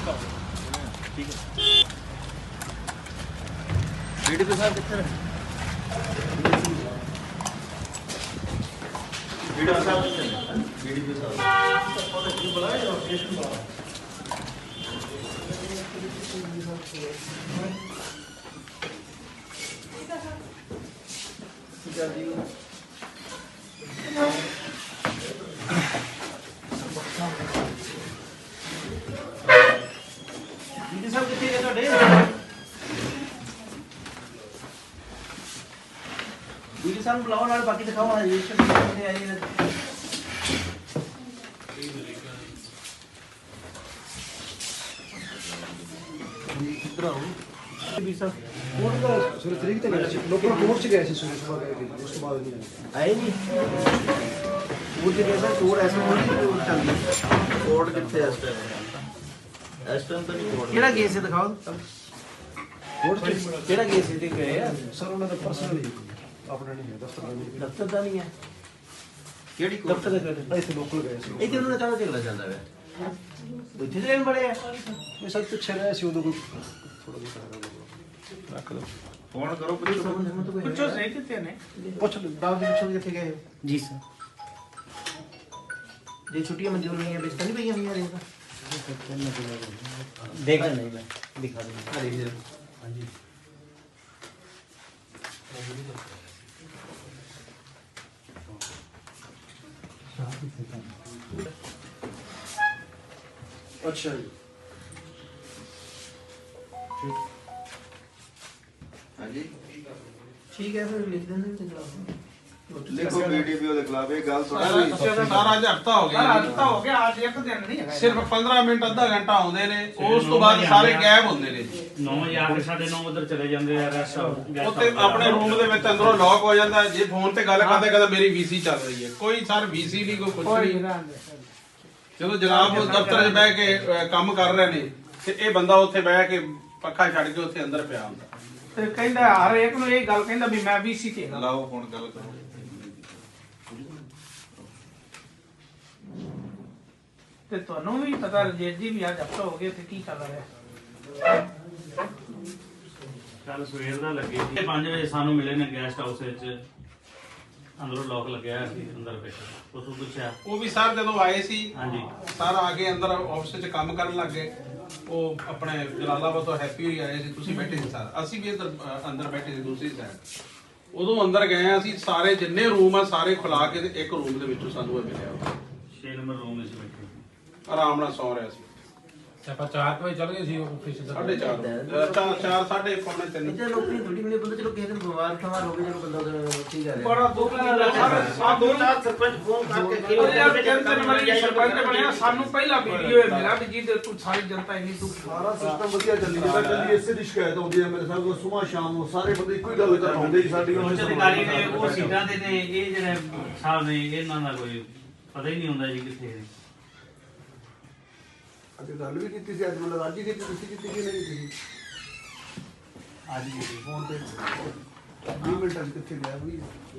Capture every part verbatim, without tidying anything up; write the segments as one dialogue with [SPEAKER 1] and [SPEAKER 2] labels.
[SPEAKER 1] ठीक है बीडीपी साहब कितने बीडीपी साहब कितने बीडीपी साहब बुलाया स्टेशन बुलाया बीडी साहब कितने का डे बीडी साहब बुलाओ ना बाकी दिखाओ रजिस्टर कितने आई है किधर आओ बीडी साहब कोर्ट का सुरत तरीक ते गए लोकल कोर्ट च गए सी सुबह सुबह गए उस तो बाद नहीं आए नहीं वो जगह पे कोर्ट ऐसा नहीं कोर्ट चलती कोर्ट कितने इस टाइम इस टाइम तो नहीं कोर्ट केड़ा केस है दिखाओ कोर्ट केड़ा केस है गए यार सर उन्होंने तो पर्सनल ही अपना नहीं है दफ्तर नहीं दफ्तर का नहीं है केड़ी कोर्ट दफ्तर का ऐसे लोकल गए सी इथे उन्होंने कहा झगड़ा चलदा है इथे लेन बड़े है ये सब पीछे रहे सी उदो कोई थोड़ा बहुत रख दो फोन करो पुलिस पूछो सही कितने ने पूछ दाव जी पूछो किथे गए जी सर ये छुट्टियां मंजूर नहीं है बेचता नहीं भैया भैया रहेगा देखा नहीं मैं दिखा दूंगा अरे हां जी अच्छा जी ठीक हाँ जी ठीक है फिर लिख देना लिखो बीडीपीओ के खिलाफ एक गल सुनो
[SPEAKER 2] सारा आज हफ्ता हो गया हफ्ता हो गया आज एक दिन नहीं है सिर्फ पंद्रह मिनट आधा घंटा आउंदे ने उस तो बाद सारे गायब होंदे ने
[SPEAKER 3] नौ बजे आके साढ़े नौ उधर चले जांदे यार
[SPEAKER 2] ਉੱਥੇ ਆਪਣੇ ਰੂਮ ਦੇ ਵਿੱਚ ਅੰਦਰੋਂ ਲੌਕ ਹੋ ਜਾਂਦਾ ਜੇ ਫੋਨ ਤੇ ਗੱਲ ਕਰਦੇ ਕਹਿੰਦਾ ਮੇਰੀ ਵੀਸੀ ਚੱਲ ਰਹੀ ਹੈ ਕੋਈ ਸਰ ਵੀਸੀ ਨਹੀਂ ਕੋਈ ਕੁਝ ਨਹੀਂ ਜਦੋਂ ਜਨਾਬ ਦਫ਼ਤਰ 'ਚ ਬਹਿ ਕੇ ਕੰਮ ਕਰ ਰਹੇ ਨੇ ਤੇ ਇਹ ਬੰਦਾ ਉੱਥੇ ਬਹਿ ਕੇ ਪੱਖਾ ਛੱਡ ਕੇ ਉੱਥੇ ਅੰਦਰ ਪਿਆ ਹੁੰਦਾ
[SPEAKER 4] ਤੇ ਕਹਿੰਦਾ ਹਰ ਇੱਕ ਨੂੰ ਇਹ ਗੱਲ ਕਹਿੰਦਾ ਵੀ ਮੈਂ ਵੀਸੀ ਤੇ
[SPEAKER 2] ਲਾਓ ਹੁਣ ਗੱਲ ਕਰੋ
[SPEAKER 4] ਤੇ ਤੁਹਾਨੂੰ ਵੀ ਪਤਾ ਰਜੇਸ਼ ਜੀ ਵੀ ਅੱਜ ਹਫਤਾ ਹੋ ਗਿਆ ਤੇ ਕੀ ਚੱਲ ਰਿਹਾ
[SPEAKER 3] ਕੱਲ ਸਵੇਰ ਦਾ ਲੱਗੇ ਸੀ ਪੰਜ ਵਜੇ ਸਾਨੂੰ ਮਿਲੇ ਨੇ ਗੈਸਟ ਹਾਊਸ ਵਿੱਚ ਅੰਦਰੋਂ ਲੋਕ ਲੱਗਿਆ ਸੀ ਅੰਦਰ ਬੈਠਾ ਉਸ ਨੂੰ ਪੁੱਛਿਆ
[SPEAKER 2] ਉਹ ਵੀ ਸਰ ਜਦੋਂ ਆਏ ਸੀ
[SPEAKER 3] ਹਾਂਜੀ
[SPEAKER 2] ਸਰ ਆ ਕੇ ਅੰਦਰ ਆਫਿਸ 'ਚ ਕੰਮ ਕਰਨ ਲੱਗ ਗਏ ਉਹ ਆਪਣੇ ਜਲਾਲਾਬਾਦ ਤੋਂ ਹੈਪੀ ਹੋਈ ਆਏ ਸੀ ਤੁਸੀਂ ਬੈਠੇ ਸੀ ਸਰ ਅਸੀਂ ਵੀ ਅੰਦਰ ਅੰਦਰ ਬੈਠੇ ਸੀ ਦੂਸਰੀ ਸਾਈਡ ਉਦੋਂ ਅੰਦਰ ਗਏ ਅਸੀਂ ਸਾਰੇ ਜਿੰਨੇ ਰੂਮ ਆ ਸਾਰੇ ਖੁਲਾ ਕੇ ਤੇ ਇੱਕ ਰੂਮ ਦੇ ਵਿੱਚੋਂ ਸਾਨੂੰ ਇਹ ਮਿਲਿਆ
[SPEAKER 3] ਛੇ ਨੰਬਰ ਰੂਮ ਵਿੱਚ ਬੈਠੇ
[SPEAKER 2] ਆਰਾਮ ਨਾਲ ਸੌ ਰਿਹਾ ਸੀ
[SPEAKER 4] ਆਪਾਂ ਚਾਰ ਵਜੇ ਚੱਲ ਗਏ ਸੀ ਆਫਿਸ ਦਾ
[SPEAKER 2] ਸਾਢੇ ਚਾਰ ਚਾਰ ਚਾਰ ਸਾਢੇ ਪੌਣੇ ਤਿੰਨ
[SPEAKER 1] ਇੱਥੇ ਲੋਕੀ ਥੋੜੀ ਮਿਲੇ ਬੰਦਾ ਚਲੋ ਕਿਸੇ ਦਿਨ ਬਿਮਾਰ ਠਮਾਰ ਹੋ ਗਿਆ ਚਲੋ ਬੰਦਾ ਠੀਕ ਹੈ
[SPEAKER 4] ਬੜਾ ਦੁੱਖ ਲੱਗਦਾ
[SPEAKER 1] ਆ ਦੋ ਚਾਰ ਸਰਪੰਚ ਫੋਨ ਕਰਕੇ ਕਿ
[SPEAKER 4] ਯਾਰ ਜਨਤਾ ਨੇ ਮਰੀ ਸਰਪੰਚ ਬਣਿਆ ਸਾਨੂੰ ਪਹਿਲਾ ਵੀਡੀਓ ਇਹ ਮਿਲਾ ਵੀ ਜਿਹਦੇ ਤੂੰ ਸਾਰੀ ਜਨਤਾ ਇੰਨੀ ਦੁੱਖ
[SPEAKER 5] ਸਾਰਾ ਸਿਸਟਮ ਵਧੀਆ ਚੱਲੀ ਜਾਂਦਾ ਚੱਲੀ ਇਸੇ ਦੀ ਸ਼ਿਕਾਇਤ ਆਉਂਦੀ ਹੈ ਮੇਰੇ ਸਾਹਿਬ ਕੋਲ ਸਵੇਰ ਸ਼ਾਮ ਨੂੰ ਸਾਰੇ ਬੰਦੇ ਇੱਕੋ ਹੀ ਗੱਲ ਕਰਵਾਉਂਦੇ ਹੀ ਸਾਡੀ
[SPEAKER 3] ਉੱਚ ਅਧਿਕਾਰੀ ਨੇ ਉਹ ਸੀਟਾਂ ਤੇ ਨੇ ਇਹ ਜਿਹੜੇ ਸਾਹਿਬ ਨੇ ਇਹਨਾਂ ਦਾ ਕੋਈ ਪਤਾ ਹੀ ਨਹੀਂ ਹੁੰਦਾ ਜੀ ਕਿੱਥੇ ਨੇ
[SPEAKER 5] ਅੱਜ ਗੱਲ ਵੀ ਕੀਤੀ ਸੀ ਅੱਜ ਮਤਲਬ ਅੱਜ ਹੀ ਕੀਤੀ ਤੁਸੀਂ ਕੀਤੀ ਕਿ ਨਹੀਂ ਕੀਤੀ
[SPEAKER 3] ਅੱਜ ਵੀ
[SPEAKER 5] ਫੋਨ ਤੇ ਵੀਹ ਮਿੰਟ ਅੱਜ ਕਿੱਥੇ ਗਿਆ ਵੀ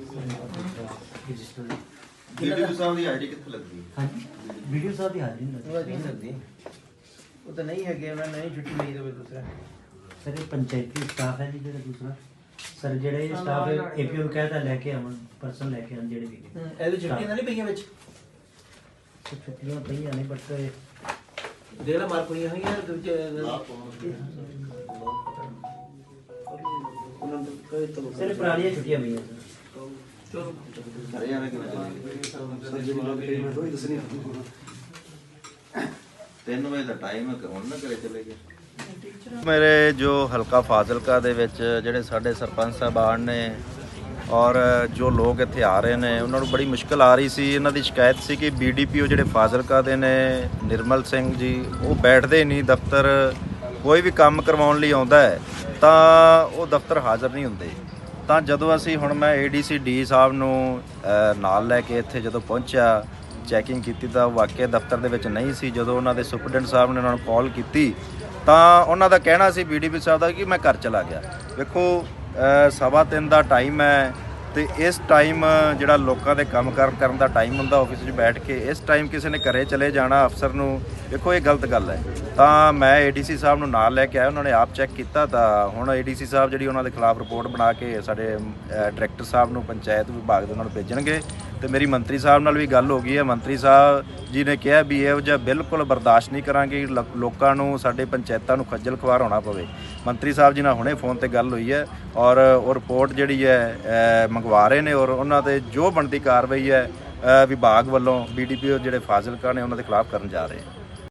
[SPEAKER 1] ਵੀਡੀਓ ਸਾਹਿਬ ਦੀ ਆਈਡੀ ਕਿੱਥੇ ਲੱਗਦੀ
[SPEAKER 6] ਹਾਂਜੀ ਵੀਡੀਓ ਸਾਹਿਬ ਦੀ ਹਾਜ਼ਰੀ ਨਹੀਂ
[SPEAKER 1] ਨਹੀਂ ਲੱਗਦੀ ਉਹ ਤਾਂ ਨਹੀਂ ਹੈਗੇ ਮੈਂ ਨਹੀਂ ਛੁੱਟੀ ਲਈ ਤੇ ਦੂਸਰਾ
[SPEAKER 6] ਸਰ ਇਹ ਪੰਚਾਇਤੀ ਸਟਾਫ ਹੈ ਜੀ ਜਿਹੜਾ ਦੂਸਰਾ ਸਰ ਜਿਹੜੇ ਸਟਾਫ ਏਪੀਓ ਕਹਿੰਦਾ ਲੈ ਕੇ ਆਵਣ ਪਰਸਨ ਲੈ ਕੇ ਆਉਣ ਜਿਹੜੇ ਵੀ
[SPEAKER 1] ਇਹਦੇ ਛੁੱਟੀਆਂ ਨਹੀਂ ਪਈਆਂ ਵਿੱਚ
[SPEAKER 6] ਛੁੱਟੀਆਂ ਪਈਆਂ ਨੇ ਬਟ
[SPEAKER 1] ਦੇਖ ਲੈ ਮਾਰ ਪਈਆਂ ਹੋਈਆਂ ਦੂਜੇ
[SPEAKER 6] ਸਰ ਪੁਰਾਣੀਆਂ ਛੁੱਟੀਆਂ ਪਈਆਂ ਸਰ
[SPEAKER 1] ਹਰਿਆਣਾ ਕਿਵੇਂ ਚੱਲੇਗੀ ਤਿੰਨ ਵਜੇ ਦਾ ਟਾਈਮ ਹੈ ਹੁਣ ਨਾ ਕਰੇ ਚਲੇ ਗਏ ਮੇਰੇ ਜੋ ਹਲਕਾ ਫਾਜ਼ਿਲਕਾ ਦੇ ਵਿੱਚ ਜਿਹੜੇ ਸਾਡੇ ਸਰਪੰਚ ਸਾਹਿਬਾਨ ਨੇ ਔਰ ਜੋ ਲੋਕ ਇੱਥੇ ਆ ਰਹੇ ਨੇ ਉਹਨਾਂ ਨੂੰ ਬੜੀ ਮੁਸ਼ਕਲ ਆ ਰਹੀ ਸੀ ਇਹਨਾਂ ਦੀ ਸ਼ਿਕਾਇਤ ਸੀ ਕਿ ਬੀਡੀਪੀਓ ਜਿਹੜੇ ਫਾਜ਼ਿਲਕਾ ਦੇ ਨੇ ਨਿਰਮਲ ਸਿੰਘ ਜੀ ਉਹ ਬੈਠਦੇ ਨਹੀਂ ਦਫ਼ਤਰ ਕੋਈ ਵੀ ਕੰਮ ਕਰਵਾਉਣ ਲਈ ਆਉਂਦਾ ਹੈ ਤਾਂ ਉਹ ਦਫ਼ਤਰ ਹਾਜ਼ਰ ਨਹੀਂ ਹੁੰਦੇ ਤਾਂ ਜਦੋਂ ਅਸੀਂ ਹੁਣ ਮੈਂ ਏਡੀਸੀ ਡੀ ਸਾਹਿਬ ਨੂੰ ਨਾਲ ਲੈ ਕੇ ਇੱਥੇ ਜਦੋਂ ਪਹੁੰਚਿਆ ਚੈਕਿੰਗ ਕੀਤੀ ਤਾਂ ਵਾਕਿਆ ਦਫ਼ਤਰ ਦੇ ਵਿੱਚ ਨਹੀਂ ਸੀ ਜਦੋਂ ਉਹਨਾਂ ਦੇ ਸੁਪਰਡੈਂਟ ਸਾਹਿਬ ਨੇ ਉਹਨਾਂ ਨੂੰ ਕਾਲ ਕੀਤੀ ਤਾਂ ਉਹਨਾਂ ਦਾ ਕਹਿਣਾ ਸੀ ਬੀਡੀਪੀ ਸਾਹਿਬ ਦਾ ਕਿ ਮੈਂ ਘਰ ਚਲਾ ਗਿਆ ਵੇਖੋ ਸਵਾ ਤਿੰਨ ਦਾ ਟਾਈਮ ਹੈ
[SPEAKER 7] ਤੇ ਇਸ ਟਾਈਮ ਜਿਹੜਾ ਲੋਕਾਂ ਦੇ ਕੰਮ ਕਾਰ ਕਰਨ ਦਾ ਟਾਈਮ ਹੁੰਦਾ ਆਫਿਸ 'ਚ ਬੈਠ ਕੇ, ਇਸ ਟਾਈਮ ਕਿਸੇ ਨੇ ਘਰੇ ਚਲੇ ਜਾਣਾ ਅਫਸਰ ਨੂੰ, ਦੇਖੋ ਇਹ ਗਲਤ ਗੱਲ ਹੈ। ਤਾਂ ਮੈਂ ਏਡੀਸੀ ਸਾਹਿਬ ਨੂੰ ਨਾਲ ਲੈ ਕੇ ਆਇਆ, ਉਹਨਾਂ ਨੇ ਆਪ ਚੈੱਕ ਕੀਤਾ। ਤਾਂ ਹੁਣ ਏਡੀਸੀ ਸਾਹਿਬ ਜਿਹੜੀ ਉਹਨਾਂ ਦੇ ਖਿਲਾਫ ਰਿਪੋਰਟ ਬਣਾ ਕੇ ਸਾਡੇ ਡਾਇਰੈਕਟਰ ਸਾਹਿਬ ਨੂੰ ਪੰਚਾਇਤ ਵਿਭਾਗ ਦੇ ਉਹਨਾਂ ਨੂੰ ਭੇਜਣਗੇ। ਤੇ ਮੇਰੀ ਮੰਤਰੀ ਸਾਹਿਬ ਨਾਲ ਵੀ ਗੱਲ ਹੋ ਗਈ ਹੈ, ਮੰਤਰੀ ਸਾਹਿਬ ਜੀ ਨੇ ਕਿਹਾ ਵੀ ਇਹੋ ਜਿਹਾ ਬਿਲਕੁਲ ਬਰਦਾਸ਼ਤ ਨਹੀਂ ਕਰਾਂਗੇ ਲੋਕਾਂ ਨੂੰ, ਸਾਡੇ ਪੰਚਾਇਤਾਂ ਨੂੰ ਖੱਜਲ ਖੁਆਰ ਹੋਣਾ ਪਵੇ। ਮੰਤਰੀ ਸਾਹਿਬ ਜੀ ਨਾਲ ਹੁਣੇ ਫੋਨ ਤੇ ਗੱਲ ਹੋਈ ਹੈ ਔਰ ਉਹ ਰਿਪੋਰਟ ਜਿਹੜੀ ਹੈ ਮੰਗਵਾ ਰਹੇ ਨੇ ਔਰ ਉਹਨਾਂ 'ਤੇ ਜੋ ਬਣਦੀ ਕਾਰਵਾਈ ਹੈ ਵਿਭਾਗ ਵੱਲੋਂ ਬੀ ਡੀ ਪੀ ਓ ਜਿਹੜੇ ਫਾਜ਼ਿਲਕਾ ਨੇ ਉਹਨਾਂ ਦੇ ਖਿਲਾਫ ਕਰਨ ਜਾ ਰਹੇ